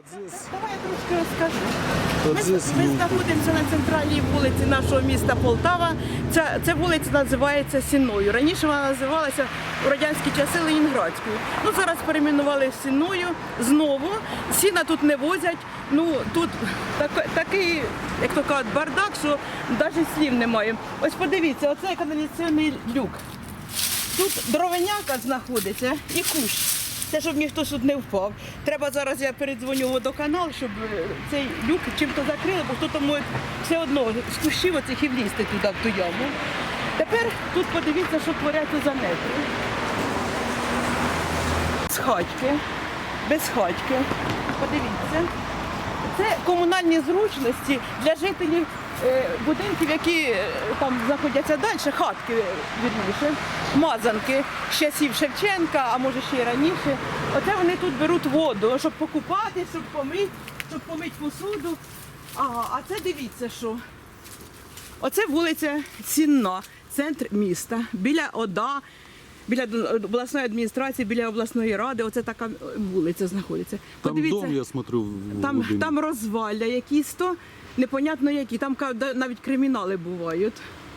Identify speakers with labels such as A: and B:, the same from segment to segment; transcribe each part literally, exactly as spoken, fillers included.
A: Давай я трошки розкажу.
B: От
A: Ми,
B: здесь
A: ми
B: люди.
A: знаходимося на центральній вулиці нашого міста Полтава. Ця, ця вулиця називається Сінною. Раніше вона називалася у радянські часи Ленінградською. Ну, зараз перейменували Сінною знову. Сіна тут не возять. Ну, тут так, такий, як то кажуть, бардак, що навіть слів немає. Ось подивіться, оце каналізаційний люк. Тут дровеняка знаходиться і кущ. Це, щоб ніхто тут не впав. Треба зараз, я передзвоню в водоканал, щоб цей люк чим-то закрили, бо хто-то може все одно з кущів оцих і влізти туди, в ту яму. Тепер тут подивіться, що творяться за метрі. З хатьки, без хатьки. Подивіться. Це комунальні зручності для жителів е, будинків, які е, там знаходяться далі, хатки, вірніше, мазанки з часів Шевченка, а може ще й раніше. Оце вони тут беруть воду, щоб покупати, щоб помити, щоб помити посуду. Ага, а це дивіться, що. Оце вулиця Сінна, центр міста, біля ОДА, біля обласної адміністрації, біля обласної ради. Оце така вулиця знаходиться.
B: Там дом, я смотрю, в
A: Там,
B: глубине.
A: там розвалля якісь то, непонятно які, там ка- да- навіть кримінали бувають.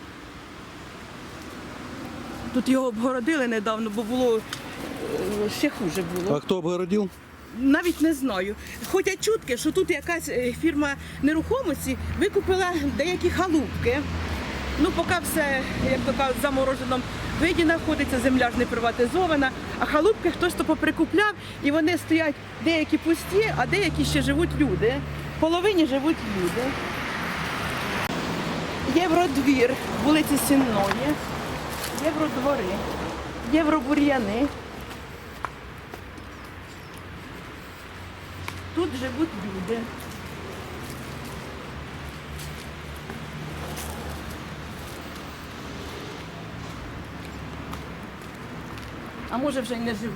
A: Тут його обгородили недавно, бо було е, ще хуже було.
B: А кто обгородил?
A: Навіть не знаю. Ходять чутки, що тут якась е, фірма нерухомості викупила деякі халупки. Ну, поки все, як то кажуть, в замороженому виді знаходиться, земля ж не приватизована, а халупки хтось то поприкупляв, і вони стоять деякі пусті, а деякі ще живуть люди. В половині живуть люди. Євродвір, вулиці Сінної, євродвори, євробур'яни. Тут живуть люди. А може вже й не живуть.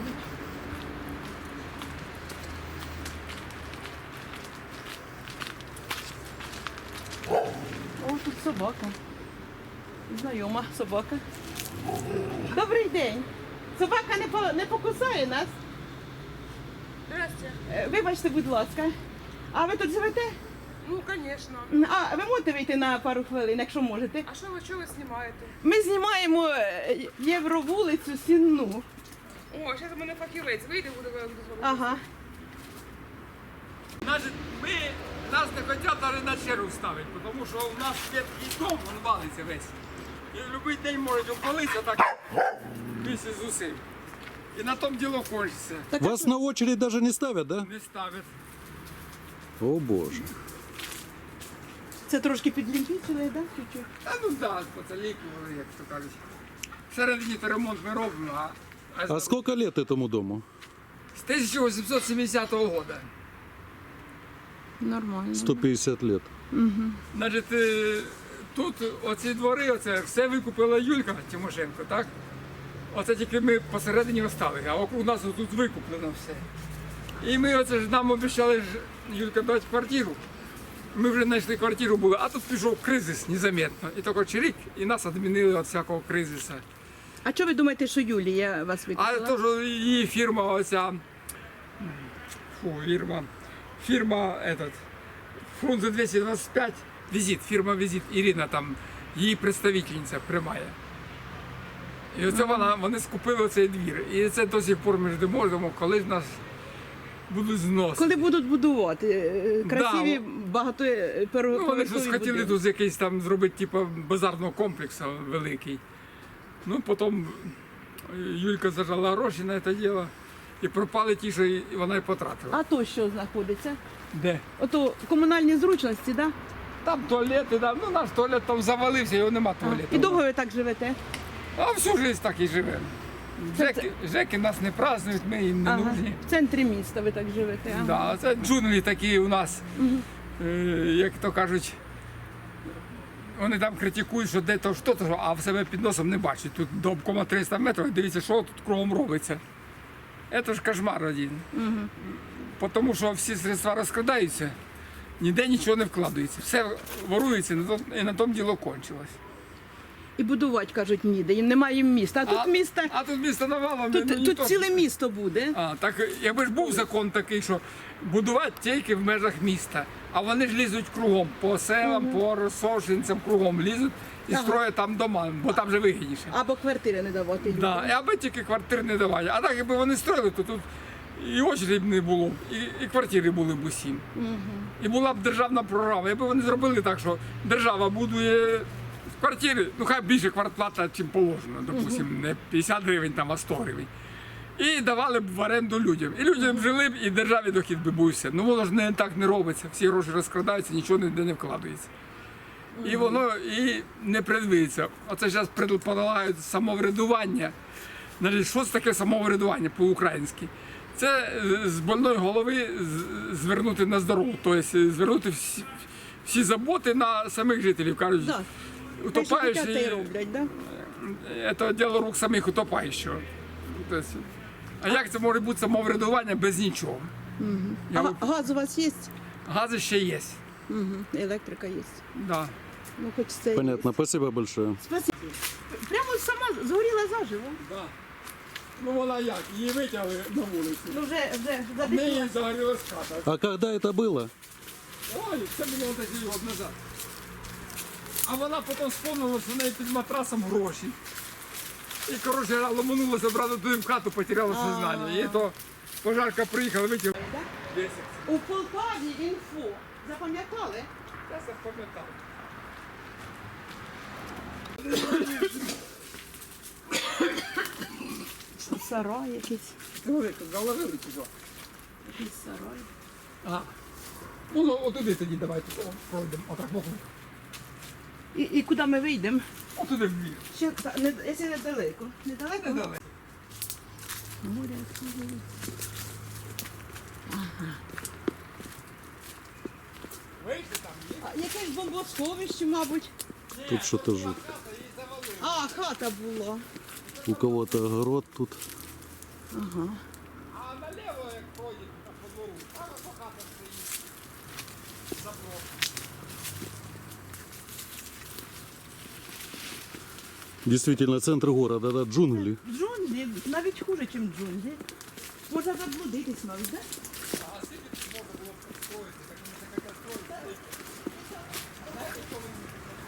A: О, тут собака. Знайома собака. Добрий день. Собака не, по, не покусає нас?
C: Здрасте.
A: Е, Вибачте, будь ласка. А ви тут живете?
C: Ну, конечно.
A: А ви можете вийти на пару хвилин, якщо можете?
C: А що ви, що ви знімаєте?
A: Ми знімаємо е, Євровулицю Сінну.
C: О, зараз у мене фахівець вийде, буде вам дозволити.
A: Ага.
D: Значить, ми, нас не хочуть навіть на чергу ставити, тому що у нас ветхий дом, він валиться весь. І в будь-який день можуть обвалитися так місяць з усім. І на тому діло кончиться.
B: Вас на очередь даже не ставят, да?
D: Не ставять.
B: О боже.
A: Це трошки підлімпічили, так? Чуть-чуть.
D: Та ну да, поцелікували, як то кажуть. Всередині то ремонт ми робимо, а, а,
B: А сколько лет этому дому?
D: з тисяча вісімсот сімдесятого року.
A: Нормально.
B: сто пятьдесят лет.
D: Значить, е, тут оці двори, оце все викупила Юлька Тимошенко, так? Оце тільки ми посередині остали, а у нас тут викуплено все. І ми оце ж нам обіцяли ж Юлька дати квартиру. Ми вже знайшли квартиру були, а тут пішов кризис незаметно. І тільки через рік і нас відмінили від всякого кризису.
A: А що ви думаєте, що Юлія вас
D: А
A: викупила?
D: то, що її фірма оця, фу, фірма, фірма этот, Фрунзе двісті двадцять п'ять, візит, фірма Візит, Ірина там, її представительниця приймає. І оце вона, вони скупили цей двір. І це до сих пор ми ждемо, ждемо, коли ж нас будуть зносити.
A: Коли будуть будувати е, красиві,
D: Да. Ну, вони
A: багатоповерхові
D: щось хотіли
A: будинки.
D: тут якийсь там зробити, типу, базарного комплексу великий. Ну, потім Юлька зажала гроші на це діло і пропали ті, що і вона й потратила.
A: А то що знаходиться?
D: Де?
A: Ото комунальні зручності, да?
D: Там туалети, да. Ну наш туалет там завалився, його нема туалету.
A: І довго ви так живете?
D: А всю життя так і живемо. Жеки, жеки нас не празднують, ми їм не
A: Ага.
D: нужні.
A: В центрі міста ви так живете. Ага.
D: Да, це джунглі такі у нас, е, як то кажуть, вони там критикують, що де то що то, а в себе під носом не бачать. Тут до обкома триста метрів, дивіться, що тут кругом робиться. Це ж кошмар один. Угу. Тому що всі средства розкрадаються, ніде нічого не вкладається. Все ворується, і на тому діло кончилось.
A: І будувати, кажуть, ніде, і немає міста. А тут міста,
D: а тут місто навалом.
A: тут,
D: ну,
A: тут
D: ніхто-
A: ціле місто буде.
D: А, так якби ж був закон такий, що будувати тільки в межах міста, а вони ж лізуть кругом, по селам, по розсошенцям кругом лізуть і
A: Ага.
D: строять там дома, бо там же вигідніше.
A: Або квартири не давати людям.
D: Да, і аби тільки квартир не давали. А так, якби вони строїли, то тут і очередь не було, і, і квартири були б усім. І була б державна програма. Якби вони зробили так, що держава будує квартири, ну хай більше квартплата, чим положено, допустимо, не п'ятдесят гривень, там, а сто гривень. І давали б в оренду людям. І людям жили б, і державі дохід би був все. Ну воно ж не так не робиться. Всі гроші розкрадаються, нічого ніде не вкладається. І воно і не предвидиться. Оце зараз предполагають самоврядування. Значить, що це таке самоврядування по-українськи? Це з больної голови з- звернути на здорову, тобто звернути всі, всі заботи на самих жителів. Кажуть,
A: Да. Те, що хотять, те й
D: утопаючи,
A: роблять, да?
D: це діло рук самих утопаючого. Тобто, а як це може бути самоврядування без нічого? Я
A: А
D: от-
A: газ у вас є?
D: Гази ще є.
A: Угу. Електрика є.
D: Да.
A: Ну, хоч це.
B: Понятно, спасибо большое.
A: Спасибо. Прямо сама згоріла заживо.
D: Да. Ну вона як? Її витягли на вулицю.
A: Ну вже, вже,
D: В
A: задихнула.
D: неї загорілась хата.
B: А когда это было?
D: Ой, це було десь рік назад. А вона потім спомнила, що в неї під матрасом гроші. І, коротше, ломанулася брати туди в хату, потеряла сознання. І то пожарка приїхала, витягла. десять.
A: У Полтаві інфо. Запам'ятали?
D: Я це пам'ятав.
A: Сарай якийсь.
D: Говори, тут заложили чи що?
A: Якийсь сарай.
D: Ага. Ну, ну, отуди тоді давайте о, пройдемо. Отак, боком.
A: І, і куди ми вийдемо?
D: Отуди в бік.
A: Ще, та- не, якщо недалеко. Недалеко?
D: Недалеко.
A: Море відкрили.
D: Вийшли там, є.
A: А, якесь бомбосховище, мабуть.
B: Тут что-то жутко.
A: А, хата була.
B: У кого-то огород тут.
D: А наліво, як пройдете там по двору, там ото хата стоїть. Заброс.
B: Действительно, центр города, да, джунгли.
A: Джунглі, навіть хуже, ніж джунглі. Можна заблудитись навіть, так?
D: А скільки тут можна було б строїти, так вони так хотять строїти. Знаєте, що вони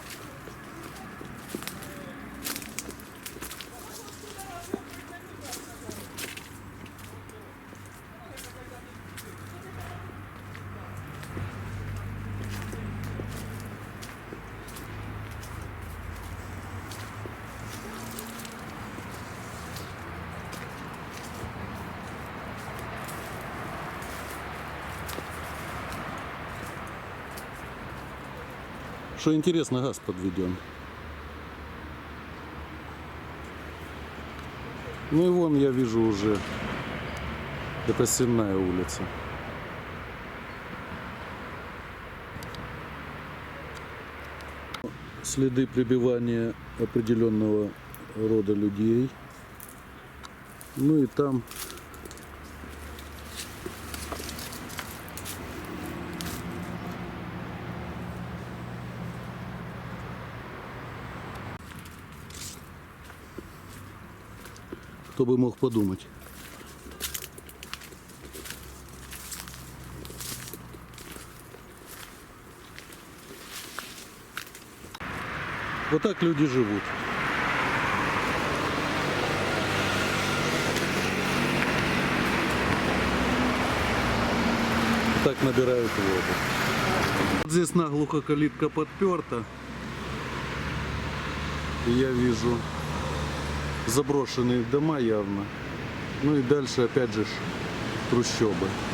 B: Что интересно, газ подведен. Ну и вон я вижу уже, это Сенная улица. Следы прибивания определенного рода людей. Ну и там кто бы мог подумать. Вот так люди живут. Так набирают воду. Вот здесь наглухо калитка подперта. И я вижу заброшенные дома явно. Ну и дальше опять же ж трущобы.